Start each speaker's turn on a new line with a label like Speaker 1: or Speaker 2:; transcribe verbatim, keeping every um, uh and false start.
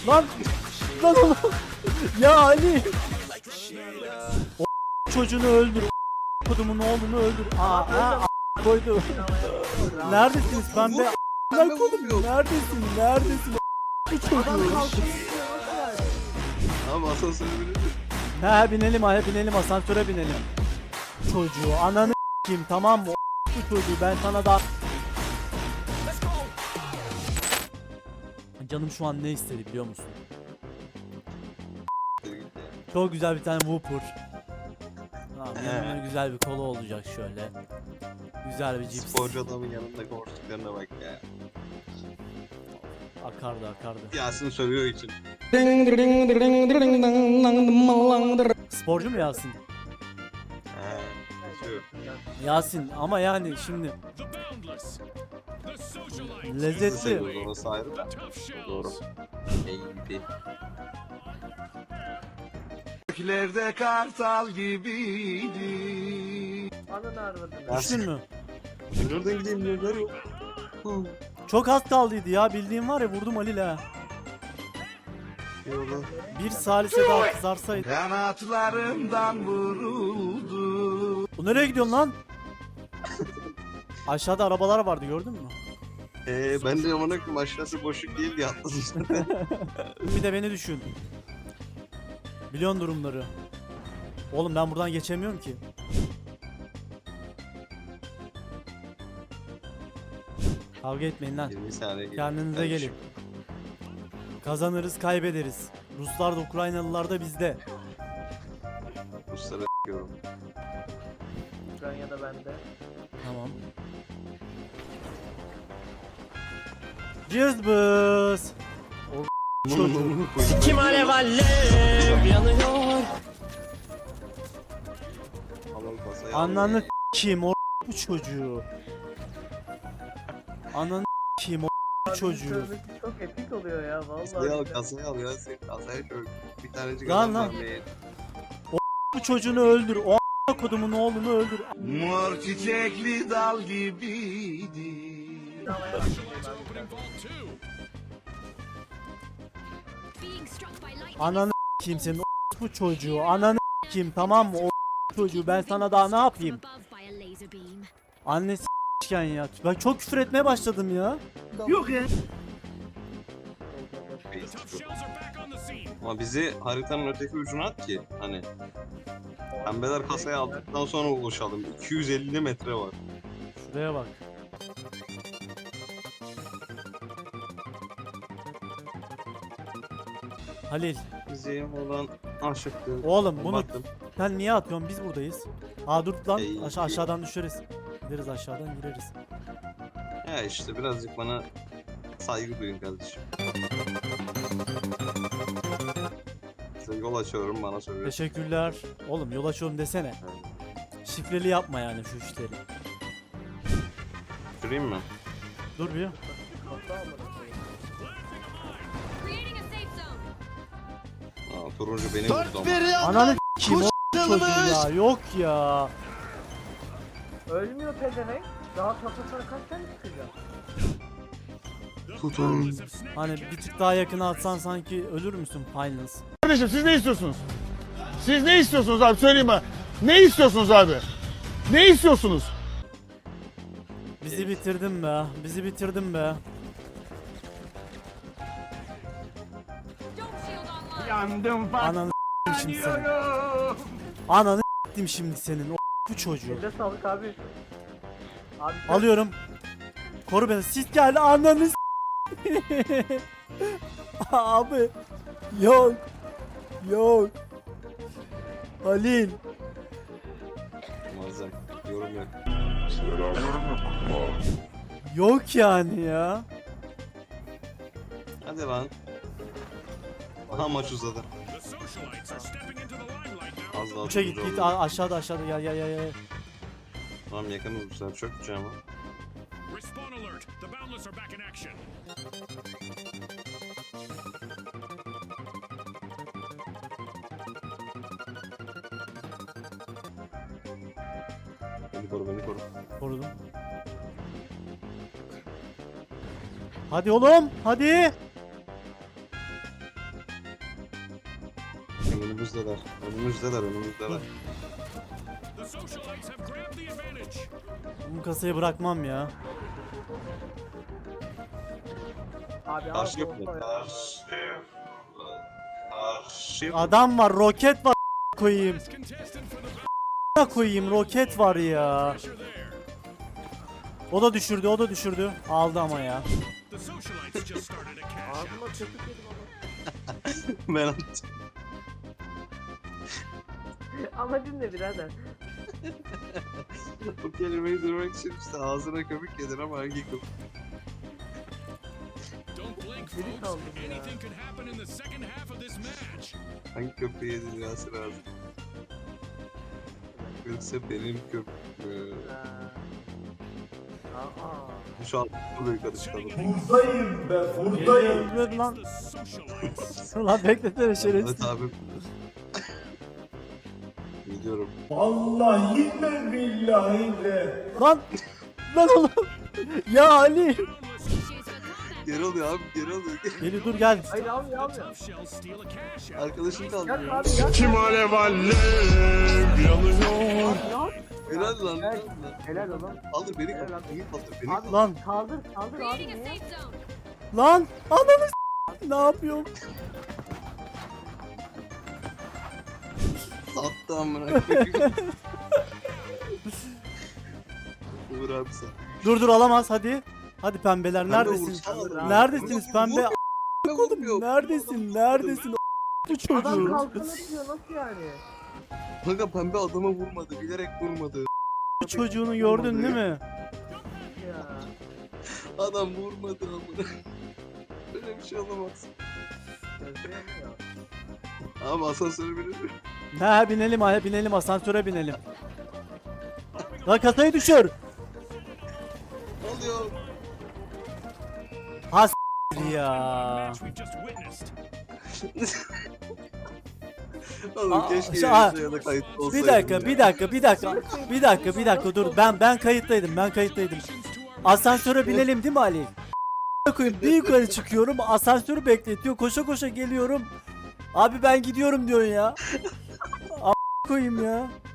Speaker 1: Lan lan oğlum. Ya Ali. O çocuğunu öldür. O kodumun oğlunu öldür. Aa, aa, a- koydu. Neredesiniz pembe? Lan kodum neredesin? Neredesin? Bu çocuğu.
Speaker 2: Ama asansöre binelim.
Speaker 1: He binelim ha binelim asansöre binelim. Çocuğu ananı kim tamam mı? Bu çocuğu ben sana da. Canım şu an ne istedi biliyor musun? Çok güzel bir tane Whopper. Tamam, yanına güzel bir kola olacak şöyle. Güzel bir cips.
Speaker 2: Sporcu adamın yanında konuştuklarına bak ya.
Speaker 1: Akardı akardı.
Speaker 2: Yasin sövüyor için.
Speaker 1: Sporcu mu Yasin?
Speaker 2: He. Sövüyor.
Speaker 1: Yasin ama yani şimdi lezzetli.
Speaker 2: Seviyoruz, orası ayrı da. Doğru. Neydi?
Speaker 3: Göklerde kartal gibiydi.
Speaker 4: Ananı arvadını.
Speaker 1: Düştün mü?
Speaker 2: Nereden gideyim diyorlar yok.
Speaker 1: Çok az kaldıydı ya bildiğim var ya vurdum Ali la.
Speaker 2: Yola.
Speaker 1: Bir salise daha kızarsaydı.
Speaker 3: Kanatlarımdan vuruldu.
Speaker 1: Bu nereye gidiyorsun lan? Aşağıda arabalar vardı gördün mü?
Speaker 2: Eee ben de amına koyayım aşağısı boşluk değil diye atladım.
Speaker 1: Bir de beni düşün. Biliyorsun durumları. Oğlum ben buradan geçemiyorum ki. Kavga etmeyin lan.
Speaker 2: yirmi saniye
Speaker 1: Kendinize gelin. Kazanırız kaybederiz. Ruslar da Ukraynalılar da bizde.
Speaker 2: Ruslara yorum.
Speaker 4: Ukrayna'da bende.
Speaker 1: Tamam. Cızbız. Çocuğu.
Speaker 5: Kim alev alev yanıyor.
Speaker 2: Alalım kasayı.
Speaker 1: Ananı kim o bu çocuğu. Ananı kim o çocuğu.
Speaker 4: Sözlük çok epik oluyor ya
Speaker 2: Kasayı al,
Speaker 4: vallahi.
Speaker 2: kasayı al ya sen kasayı şöyle bir tanecik
Speaker 1: Lan
Speaker 2: adam
Speaker 1: lan.
Speaker 2: vermeye.
Speaker 1: Bu çocuğunu öldür. O a- kodumun oğlunu öldür.
Speaker 3: Mor çiçekli dal gibiydi.
Speaker 1: Ananı kim senin o bu çocuğu. Ananı kim tamam mı o çocuğu ben sana daha ne yapayım? Annesi s**ken ya. Ben çok küfür etmeye başladım ya.
Speaker 3: Yok ya.
Speaker 2: Ama bizi haritanın öteki ucuna at ki hani pembeler kasayı aldıktan sonra ulaşalım. iki yüz elli metre var.
Speaker 1: Şuraya bak. Halil.
Speaker 2: Bizi olan aşıktı.
Speaker 1: Oğlum bunu
Speaker 2: Baktım.
Speaker 1: sen niye atıyorsun? Biz buradayız. Aa dur lan.
Speaker 2: Ey.
Speaker 1: Aşağı aşağıdan düşeriz. Gideriz aşağıdan gireriz.
Speaker 2: Ya işte birazcık bana saygı duyun kardeşim. Size yol açıyorum bana söylüyor.
Speaker 1: Teşekkürler. Oğlum yol açıyorum desene. Şifreli yapma yani şu işleri.
Speaker 2: Süreyim mi?
Speaker 1: Dur bir.
Speaker 2: Aa, turuncu beni vurdu ama.
Speaker 1: Ananı kim o çocuğu ya yok ya.
Speaker 4: Ölmüyor pezevenk. Daha kafasına kaç tane çıkacak?
Speaker 2: Tutun.
Speaker 1: Hani bir tık daha yakına atsan sanki ölür müsün Finals?
Speaker 6: Kardeşim siz ne istiyorsunuz? Siz ne istiyorsunuz abi söyleyin bana. Ne istiyorsunuz abi? Ne istiyorsunuz?
Speaker 1: Bizi bitirdin be. Bizi bitirdin be.
Speaker 6: Yandım
Speaker 1: Ananı s**tim şimdi senin. Ananı s**tim şimdi senin o bu çocuğu.
Speaker 4: Elde sağlık abi. Abi sen-
Speaker 1: Alıyorum. Koru beni. Sis geldi ananı s**. Abi. Yok. Yok. Halil.
Speaker 2: Muazzam. Yorum yok.
Speaker 1: Yok yani ya.
Speaker 2: Hadi lan. Aha maç uzadı. Az daha
Speaker 1: Uça git
Speaker 2: turuncu
Speaker 1: git
Speaker 2: oldu.
Speaker 1: A- aşağıda aşağıda gel gel gel gel.
Speaker 2: Tamam yakınız bu sefer çok güzel ama.
Speaker 7: Respawn alert. The Boundless are back in action.
Speaker 2: Beni koru beni koru.
Speaker 1: Korudum. Hadi oğlum hadi.
Speaker 2: Önümüzdeler. Önümüzdeler, önümüzdeler.
Speaker 7: The socialites have grabbed the advantage.
Speaker 1: Bu kasayı bırakmam ya.
Speaker 4: Abi
Speaker 2: Karşı
Speaker 4: abi
Speaker 2: yapıyor.
Speaker 4: olsa ya.
Speaker 2: Karşı. Karşı.
Speaker 1: Adam var, roket var koyayım.
Speaker 7: Last contestant for the
Speaker 1: Koyayım, roket var ya.
Speaker 7: pressure there.
Speaker 1: O da düşürdü, o da düşürdü. Aldı ama ya.
Speaker 7: The socialites just started a cash
Speaker 4: Ağzıma
Speaker 7: out.
Speaker 4: köpük yedim ama.
Speaker 2: Ben attım.
Speaker 4: Amacın ne birader?
Speaker 2: Bu kelimeyi duymak için işte ağzına köpük yedin ama hangi köpük?
Speaker 7: Don't blink,
Speaker 4: Biri
Speaker 7: folks.
Speaker 4: kaldı ya.
Speaker 7: Anything could happen in the second half of this match.
Speaker 2: Hangi köpüğü yedin Yasir abi? Yoksa benim köpüğüm.
Speaker 4: Aa.
Speaker 2: Şu an bu büyük karışıkalım.
Speaker 1: Geliyor lan.
Speaker 7: The socialites.
Speaker 1: Lan beklesene şerefsiz.
Speaker 2: Evet abi. Gidiyorum.
Speaker 1: Lan. Lan oğlum. Ya Ali.
Speaker 2: Geri oluyor abi, geri oluyor.
Speaker 1: Eli dur gel.
Speaker 4: Hayır almıyor almıyor.
Speaker 7: Tough shells steal a cash out.
Speaker 2: Arkadaşım
Speaker 4: Yak
Speaker 2: kaldı.
Speaker 4: abi yak.
Speaker 6: Kim alev alev yanıyor.
Speaker 2: Helal lan.
Speaker 4: Evet. Helal oğlum.
Speaker 2: Kaldır beni,
Speaker 4: Helal
Speaker 2: kaldır
Speaker 4: lan.
Speaker 2: beni, kaldır beni.
Speaker 4: Abi
Speaker 1: Lan.
Speaker 4: kaldır kaldır abi
Speaker 8: Creating a
Speaker 4: niye?
Speaker 8: safe zone.
Speaker 1: Lan. Ananı s- Ne yapıyorum?
Speaker 2: Sattı amına koyayım. Uğur abi sen.
Speaker 1: Dur dur alamaz hadi. Hadi pembeler
Speaker 2: Pembe
Speaker 1: neredesiniz?
Speaker 2: vursana.
Speaker 1: Neredesiniz pembe?
Speaker 2: Ne vurmuyor?
Speaker 1: Neredesin? Neredesin? Bu
Speaker 4: Adam
Speaker 1: çocuğu.
Speaker 4: kalkın atıyor nasıl yani?
Speaker 2: Kanka pembe adama vurmadı, bilerek vurmadı.
Speaker 1: Bu çocuğunu gördün değil mi?
Speaker 4: Ya.
Speaker 2: Adam vurmadı amına. Böyle bir şey olamaz.
Speaker 4: Gözleyemiyor.
Speaker 2: Abi asansöre binir mi?
Speaker 1: He binelim ha binelim asansöre binelim. Lan kasayı düşür.
Speaker 2: Alıyor.
Speaker 1: Ha s- ya.
Speaker 7: Match we've just witnessed.
Speaker 2: Oğlum
Speaker 1: Aa,
Speaker 2: keşke
Speaker 1: şu-
Speaker 2: yayında ya da kayıtlı olsaydım.
Speaker 1: Bir dakika,
Speaker 2: ya.
Speaker 1: bir dakika, bir dakika. Bir dakika, bir dakika dur. Ben ben kayıttaydım. Ben kayıttaydım. Asansöre binelim değil mi Ali? Koyayım bir yukarı çıkıyorum. Asansörü bekletiyor. Koşa koşa geliyorum. Abi ben gidiyorum diyorsun ya. A- koyayım ya.